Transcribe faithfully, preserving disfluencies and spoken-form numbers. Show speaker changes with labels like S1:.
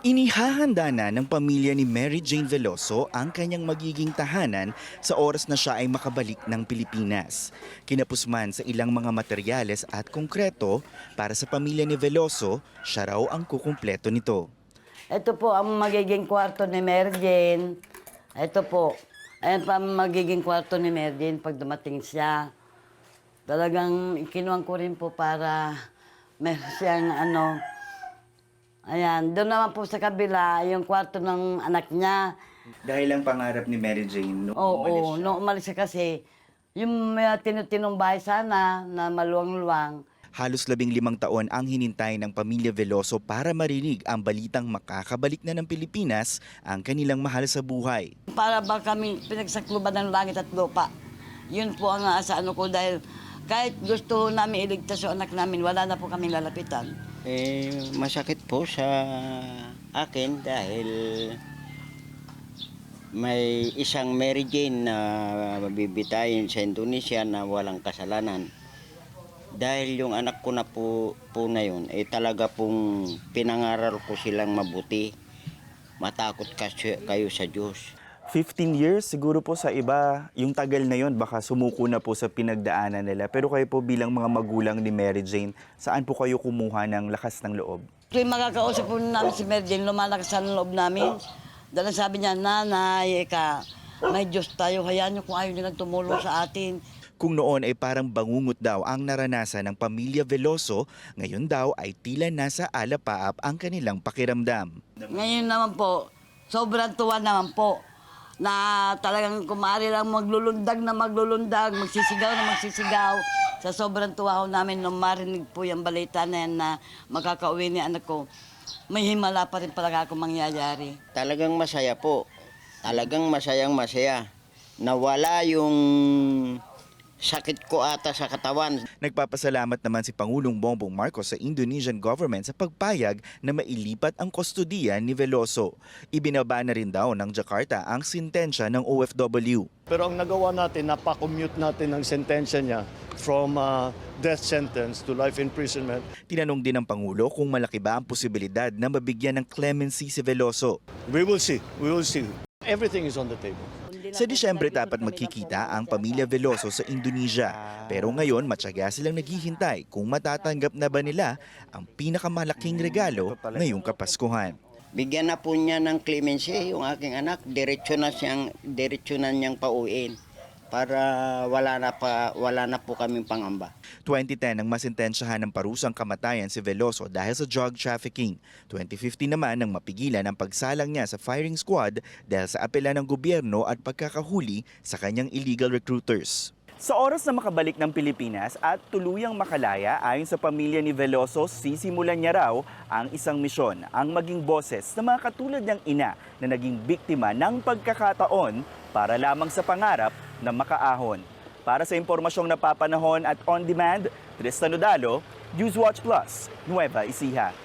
S1: Inihahanda na ng pamilya ni Mary Jane Veloso ang kanyang magiging tahanan sa oras na siya ay makabalik ng Pilipinas. Kinapos man sa ilang mga materyales at konkreto, para sa pamilya ni Veloso, siya raw ang kukumpleto nito.
S2: Ito po ang magiging kwarto ni Mary Jane. Ito po. Ayan pa ang magiging kwarto ni Mary Jane pag dumating siya. Talagang ikinuhan ko rin po para meron siyang ano. Ayan, doon naman po sa kabila, yung kwarto ng anak niya.
S1: Dahil ang pangarap ni Mary Jane noong
S2: Oo,
S1: umalis siya.
S2: noong umalis siya kasi, yung may tinutinong bahay sana na maluwang-luwang.
S1: Halos labing limang taon ang hinintay ng pamilya Veloso para marinig ang balitang makakabalik na ng Pilipinas ang kanilang mahal sa buhay.
S2: Para ba kami pinagsakluban ng langit at lupa? Yun po ang asa ano ko dahil kahit gusto namin iligtas yung anak namin, wala na po kami lalapitan.
S3: Eh, masakit po sa akin dahil may isang Mary Jane na bibitayin sa Indonesia na walang kasalanan. Dahil yung anak ko na po, po na yun, eh talaga pong pinangaral ko silang mabuti. Matakot kasi kayo sa Diyos.
S1: fifteen years, siguro po sa iba, yung tagal na yon baka sumuko na po sa pinagdaanan nila. Pero kayo po bilang mga magulang ni Mary Jane, saan po kayo kumuha ng lakas ng loob?
S2: Tuwing makakausap po namin si Mary Jane, lumalakas sa loob namin. Dahil sabi niya, nanay, eka, may Diyos tayo, hayaan niyo kung ayaw nilang tumulong sa atin.
S1: Kung noon ay parang bangungot daw ang naranasan ng pamilya Veloso, ngayon daw ay tila nasa alapaap ang kanilang pakiramdam.
S2: Ngayon naman po, sobrang tuwa naman po na talagang kumari lang maglulundag na maglulundag, magsisigaw na magsisigaw. Sa sobrang tuwa ho namin nung marinig po yung balita na yan na makakauwi ni anak ko, may himala pa rin pala ako mangyayari.
S3: Talagang masaya po. Talagang masayang masaya. Nawala yung sakit ko ata sa katawan.
S1: Nagpapasalamat naman si Pangulong Bongbong Marcos sa Indonesian government sa pagpayag na mailipat ang kustodiya ni Veloso. Ibinaba na rin daw ng Jakarta ang sintensya ng O F W.
S4: Pero ang nagawa natin, napakommute natin ang sentensya niya from uh, death sentence to life imprisonment.
S1: Tinanong din ng Pangulo kung malaki ba ang posibilidad na mabigyan ng clemency si Veloso.
S4: We will see. We will see. Everything is on the table.
S1: Sa Disyembre dapat magkikita ang pamilya Veloso sa Indonesia. Pero ngayon matyaga silang naghihintay kung matatanggap na ba nila ang pinakamalaking regalo ngayong Kapaskuhan.
S3: Bigyan na po niya ng clemency yung aking anak. Diretso na siyang, diretso na niyang pauwiin para wala na, pa, wala na po kaming pangamba.
S1: twenty ten nang masintensyahan ng parusang kamatayan si Veloso dahil sa drug trafficking. twenty fifteen naman nang mapigilan ang pagsalang niya sa firing squad dahil sa apela ng gobyerno at pagkakahuli sa kanyang illegal recruiters. Sa oras na makabalik ng Pilipinas at tuluyang makalaya, ayon sa pamilya ni Veloso, sisimulan niya raw ang isang misyon, ang maging boses ng mga katulad niyang ina na naging biktima ng pagkakataon para lamang sa pangarap na makaahon. Para sa impormasyong napapanahon at on-demand, Tristan Odalo, Newswatch Plus, Nueva Ecija.